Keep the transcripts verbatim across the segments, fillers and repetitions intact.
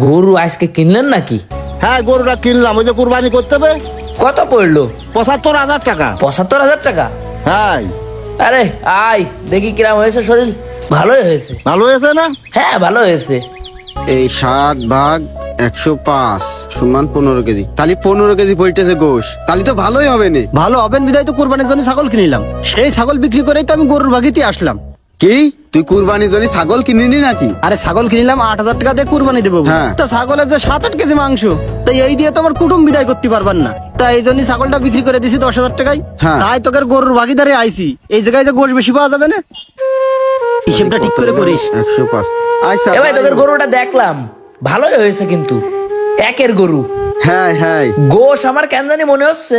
গরু আজকে কিনলেন নাকি? হ্যাঁ গরুটা কিনলাম, ওই যে কুরবানি করতে হবে। কত পড়লো? পঁচাত্তর হাজার টাকা। পঁচাত্তর হাজার টাকা? হ্যাঁ। আরে আয় দেখি কিরাম হয়েছে শরীর। ভালোই হয়েছে। ভালো হয়েছে না? হ্যাঁ ভালো হয়েছে। এই সাত ভাগ একশো পাঁচ সমান পনেরো কেজি, তাহলে পনেরো কেজি পড়তেছে গোশ, তাহলে তো ভালোই হবে না। ভালো হবেন বিদায় তো কুরবানির জন্য ছাগল কিনিলাম, সেই ছাগল বিক্রি করেই তো আমি গরুর ভাগিতে আসলাম। কি তুই কুরবানির জন্য ছাগল কিনিনি নাকি? আরে ছাগল কিনিলাম আট হাজার টাকা দিয়ে কুরবানি দেবো। হ্যাঁ। তা ছাগলের যে সাত আট কেজি মাংস, তাই এই দিয়ে তো আমার কুটুম বিদায় করতে পারবেন না, তাই এই জন্য ছাগলটা বিক্রি করে দিছি দশ হাজার টাকায়। হ্যাঁ। তাই তোকে গরুর ভাগিদারে আইছি, এই জায়গায় যে গোশ বেশি পাওয়া যাবে না, হিসেবটা ঠিক করে করিস। একশো পাঁচ। আচ্ছা এ ভাই তোদের গরুটা দেখলাম ভালোই হয়েছে, কিন্তু একের গরু হ্যাঁ হ্যাঁ গোশ আমার কেন জানি মনে হচ্ছে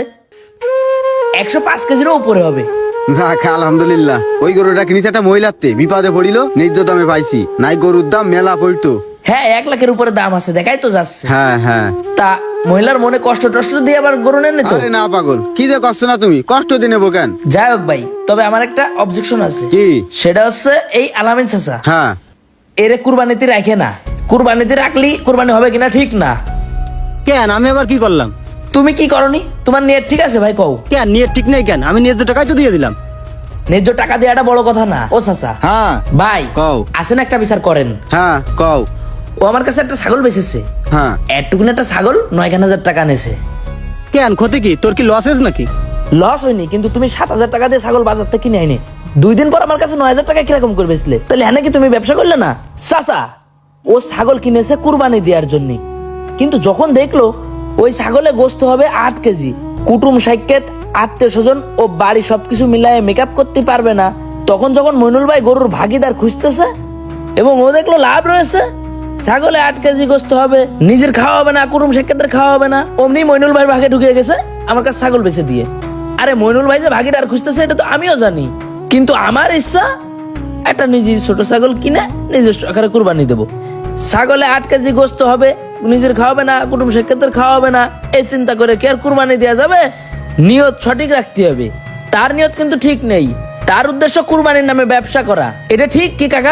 একশো পাঁচ কেজিরও উপরে হবে। যাক আলহামদুলিল্লাহ। ওই গরুটা কিনেছে একটা মহিলাতে, বিপদে পড়িল, ন্যায্য দামে পাইছি, নাই গরুর দাম মেলা পড়তো। হ্যাঁ এক লাখের উপরে দাম আছে, দেখাই তো যাচ্ছে। হ্যাঁ হ্যাঁ। তা মহিলার মনে কষ্ট টষ্ট দিয়ে আবার গরু নেন তো? আরে না পাগল, কি যে কষ্ট না তুমি, কষ্ট দিয়ে নেবো কেন? যাই হোক ভাই, তবে আমার একটা অবজেকশন আছে। কি? সেটা হচ্ছে এই আলামিন চাচা হ্যাঁ। এরে কুরবানিতে রাখে না। কুরবানিতে রাখলি কুরবানি হবে কিনা ঠিক না। কেন আমি আবার কি করলাম? তুমি কি করনি? তোমার নিয়ত ঠিক আছে ভাই কও? কেন নিয়ে ঠিক নেই কেন? আমি ন্যায্য টাকাই তো দিয়ে দিলাম। ন্যায্য টাকা দেওয়াটা বড় কথা না ও চাচা। হ্যাঁ। ভাই কও। আসেন একটা বিচার করেন। হ্যাঁ কও। ও আমার কাছে একটা ছাগল বেচেছে, হ্যাঁ। এটুকুন একটা ছাগল নয় খান হাজার টাকা নেছে। কেন ক্ষতি কি? তোর কি লসেস নাকি? লস হয়নি, কিন্তু তুমি সাত হাজার টাকা দিয়ে ছাগল বাজার থেকে কিনে আইনি, দুই দিন পর আমার কাছে নয় হাজার টাকা কিরকম করে বেচলে? তাহলে হ্যাঁ নাকি তুমি ব্যবসা করলে না? চাচা ও ছাগল কিনেছে কুরবানি দেওয়ার জন্য, কিন্তু যখন দেখলো ওই ছাগলে গোস্ত হবে আট কেজি, কুটুম সাইকেত আত্মীয় স্বজন ও বাড়ি সবকিছু মিলায়ে মেকআপ করতে পারবে না, তখন যখন মইনুল ভাই গরুর ভাগিদার খুঁজতেছে এবং ও দেখলো লাভ রয়েছে, ছাগলে আট কেজি গোস্ত হবে, নিজের খাওয়া হবে না, কুটুম সাইকেতের খাওয়া হবে না, অমনি মইনুল ভাই ভাগে ঢুকে গেছে আমার কাছে ছাগল বেচে দিয়ে। আরে মইনুল ভাই যে ভাগিদার খুঁজতেছে এটা তো আমিও জানি, কিন্তু আমার ইচ্ছা একটা নিজের ছোট ছাগল কিনে নিজস্ব আকারে কুরবানি দেবো। ছাগলে আট কেজি গোস্ত হবে, নিজের খাওয়াবে না, কুটুম সাক্ষাতের খাওয়াবে না, এই চিন্তা করে কি আর কুরবানি দেওয়া যাবে? নিয়ত সঠিক রাখতে হবে। তার নিয়ত কিন্তু ঠিক নেই, তার উদ্দেশ্য কুরবানির নামে ব্যবসা করা। এটা ঠিক কি কাকা?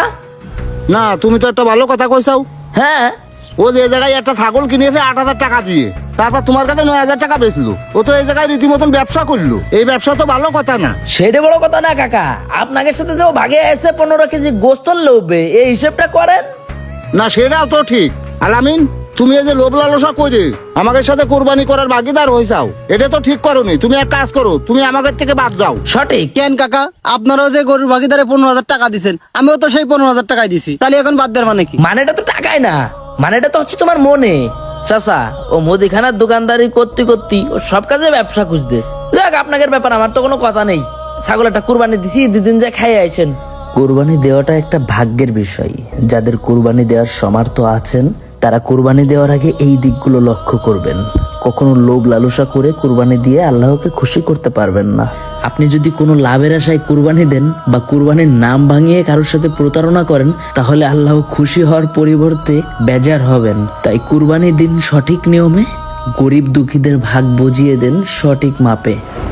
না তুমি তো একটা ভালো কথা কইছাও। হ্যাঁ ও যে জায়গায় একটা ছাগল কিনেছে আট হাজার টাকা দিয়ে, তারপর তোমার কাছে নয় হাজার টাকা বেচলো, ও তো এই জায়গায় রীতিমতন ব্যবসা করলো। এই ব্যবসা তো ভালো কথা না। সেটা বড় কথা না কাকা, আপনাকে সাথে যে ও ভাগে এসে পনেরো কেজি গোস্ত লোভে, এই হিসেবটা করেন না সেটাও তো ঠিক। আলামিন তুমি এই যে লোভ লালসা করে আমাদের সাথে কোরবানি করার ভাগিদার হইছাও, এটা তো ঠিক করোনি। তুমি এক কাজ করো, তুমি আমাদের থেকে বাদ যাও। সঠিক। কেন কাকা, আপনারাও যে গরুর ভাগিদারে পনেরো হাজার টাকা দিচ্ছেন, আমিও তো সেই পনেরো হাজার টাকাই দিছি, তাহলে এখন বাদ দেওয়ার মানে কি? মানেটা তো টাকায় না, মানেটা তো হচ্ছে তোমার মনে। চাচা ও মুদিখানার দোকানদারি করতে করতে ও সব কাজে ব্যবসা খুঁজতেস। যাক আপনাদের ব্যাপার, আমার তো কোনো কথা নেই। ছাগল একটা কুরবানি দিছি, দুদিন যা খাই আইছেন। কুরবানি দেওয়াটা একটা ভাগ্যের বিষয়। যাদের কুরবানি দেওয়ার সামর্থ্য আছেন তারা কুরবানি দেওয়ার আগে এই দিকগুলো লক্ষ্য করবেন। কখনো লোভ লালসা করে কুরবানি দিয়ে আল্লাহকে খুশি করতে পারবেন না। আপনি যদি কোনো লাভের আশায় কুরবানি দেন বা কুরবানির নাম ভাঙিয়ে কারোর সাথে প্রতারণা করেন, তাহলে আল্লাহ খুশি হওয়ার পরিবর্তে বেজার হবেন। তাই কুরবানি দিন সঠিক নিয়মে, গরিব দুঃখীদের ভাগ বুঝিয়ে দেন সঠিক মাপে।